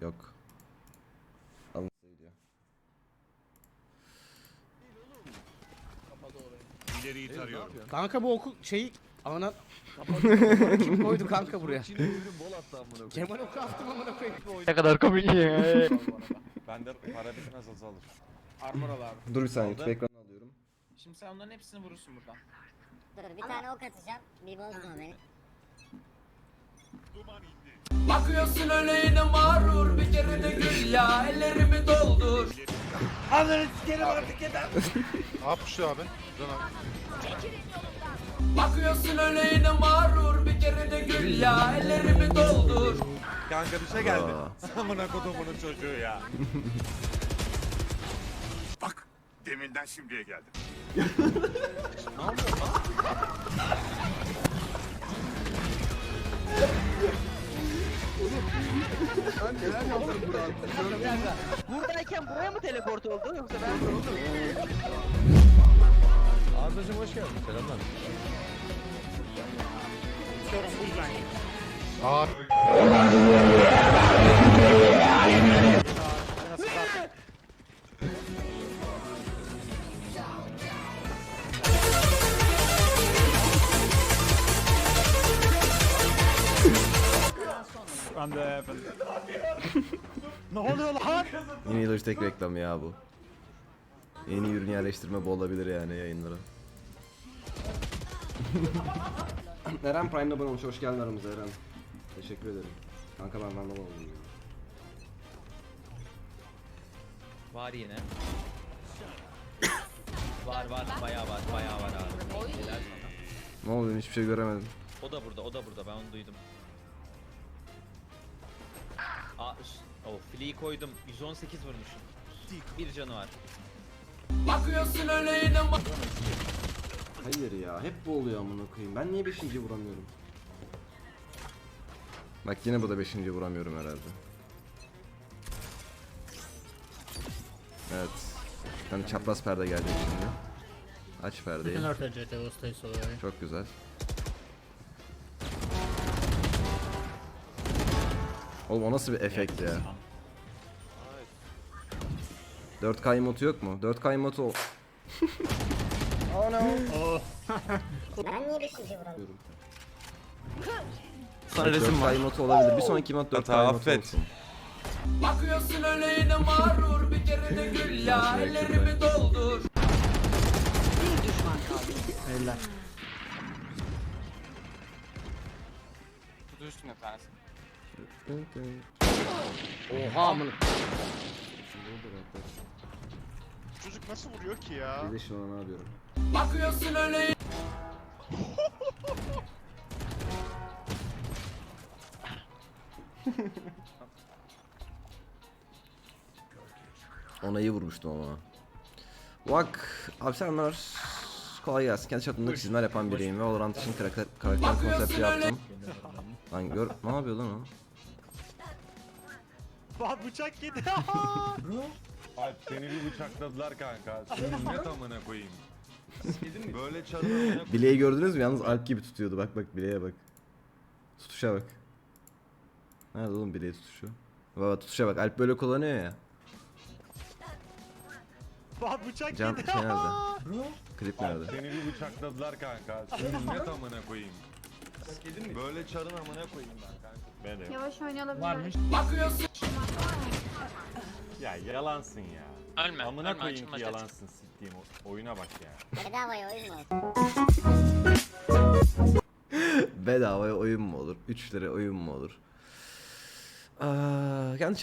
Yok. Alın diyor. İleriyi tarıyorum. Kanka bu okul şeyi ana kim koydu kanka buraya? Kemal oku attım amına koyayım. Ne kadar komik ya. Bende para bitmez azalır. Armor al abi. Dur bir saniye, Aldı. tüp ekranı alıyorum. Şimdi sen onların hepsini vurursun buradan. Dur bir tane ok atacağım. Bir bozma beni. Bakıyorsun öyle yine mağrur bir kere de gül ya ellerimi doldur. Ananı sikerim artık yeter. Ne yapmış abi? Can abi. Bakıyorsun öyle yine mağrur bir kere de gül ya ellerimi doldur. Kanka bir şey geldi. Amına kodumunun çocuğu ya. Bak, deminden şimdiye geldim. Buradayken buraya mı teleport oldu yoksa ben Ardacığım hoş geldin. Selamlar. Abi. Ne oluyor lan? Yeni Logitech reklamı ya bu. Yeni ürün yerleştirme bu olabilir yani yayınlara. Eren Prime'da abone olmuş. Hoş geldin aramıza Eren. Teşekkür ederim. Kanka ben Vandal oldum ya. Var yine. Var bayağı var abi. Helal sana. Ne oldu, hiçbir şey göremedim. O da burada ben onu duydum. Flea'yı koydum 118 vurmuşum. Bir canı var. Bakıyorsun öyle yine Hayır ya, hep bu oluyor amına koyayım. Ben niye 5. vuramıyorum? Bak yine bu da 5. vuramıyorum herhalde. Evet. Hani çapraz perde gelecek şimdi. Aç perdeyi. Çok güzel. Oğlum o nasıl bir efekt ya? 4K emotu yok mu? 4K emotu ol. Oh no. Ben niye 5. vuramıyorum? Sana resim var. 4K emotu olabilir. Bir sonraki emot 4K Hata emotu affet. olsun. bakıyorsun öyle yine mağrur bir kere de gül ya ellerimi doldur. Eller. Kutu üstüne tanesi. Oha amına. Çocuk nasıl vuruyor ki ya? Bir de şu an ne yapıyorum? Bakıyorsun öyle Ona iyi vurmuştum ama. Bak abi selamlar. Kolay gelsin. Kendi çapımda çizimler yapan biriyim ve Valorant için karakter konsepti yaptım. Lan gör, ne yapıyor lan o? Bak bıçak yedi. Alp seni bir bıçakladılar kanka. Sünnet amına koyayım. Böyle çarı amına koyayım. Bileği gördünüz mü? Yalnız Alp gibi tutuyordu. Bak bak bileğe bak. Tutuşa bak. Nerede oğlum bileği tutuşu? Baba tutuşa bak. Alp böyle kullanıyor ya. Bak bıçak Can yedi. şey nerede? Klip Alp nerede? seni bir bıçakladılar kanka. Sünnet amına koyayım. Böyle çarın amına koyayım ben kanka. Ben de. Yavaş oynayabilir. bakıyorsun Ya yalansın ya. Ölme. Amına koyayım ki yalansın siktiğim oyuna bak ya. Bedavaya oyun mu? Bedavaya oyun mu olur? 3 lira oyun mu olur? Kendi